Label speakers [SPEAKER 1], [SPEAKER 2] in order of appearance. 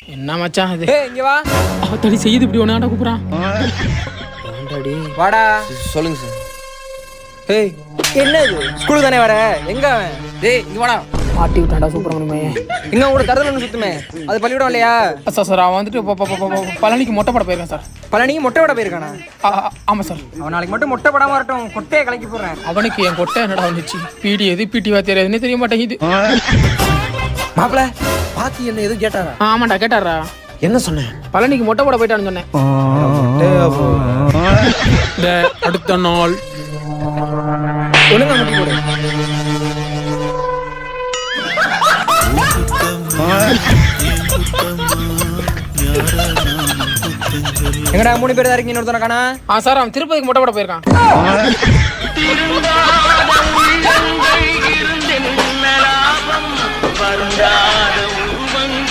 [SPEAKER 1] என்ன மச்சான் இது?
[SPEAKER 2] ஏய் இங்க வா.
[SPEAKER 1] தடி செய்யுது இப்படி ஒண்ணாடா கூப்பிடுறான்.
[SPEAKER 2] வாடா.
[SPEAKER 3] சொல்லுங்க சார்.
[SPEAKER 2] ஏய் என்ன இது? ஸ்கூலுக்கு தானே வர? எங்க அவன்?
[SPEAKER 3] டேய் இங்க வாடா.
[SPEAKER 1] மாட்டி விட்டான்டா சுப்பிரமணியமே.
[SPEAKER 2] எங்க கூட தரதல ஒன்று சுத்துமே, அது பள்ளிக்கூடம் இல்லையா?
[SPEAKER 1] சார் அவன் வந்துட்டு பழனிக்கு மொட்டை போட போயிருக்கான் சார்.
[SPEAKER 2] பழனிக்கு மொட்டை விட போயிருக்கானா?
[SPEAKER 1] ஆமாம் சார்.
[SPEAKER 2] அவன் நாளைக்கு மட்டும் மொட்டை படாம வரட்டும், கொட்டையை கலக்கி போடுறேன்.
[SPEAKER 1] அவனுக்கு என் கொட்டை என்னடா வந்துச்சு? பிடி எது பிடி வாத்தியார் எதுன்னு தெரிய மாட்டேங்குது.
[SPEAKER 3] மாப்பிள பாத்தி என்ன எதுவும் கேட்டாரா?
[SPEAKER 1] ஆமாண்டா கேட்டாரா.
[SPEAKER 3] என்ன சொன்னேன்?
[SPEAKER 1] பழனிக்கு மொட்டை போட போயிட்டான்னு சொன்னேன். அடுத்த நாள்
[SPEAKER 2] ஒழுங்கா முட்டி போடு. எங்கடா 3 பேர் தான் இருக்கீங்க, இன்னொருத்தன காணா?
[SPEAKER 1] சார் அவன் திருப்பதிக்கு மொட்டை போட போயிருக்கான்.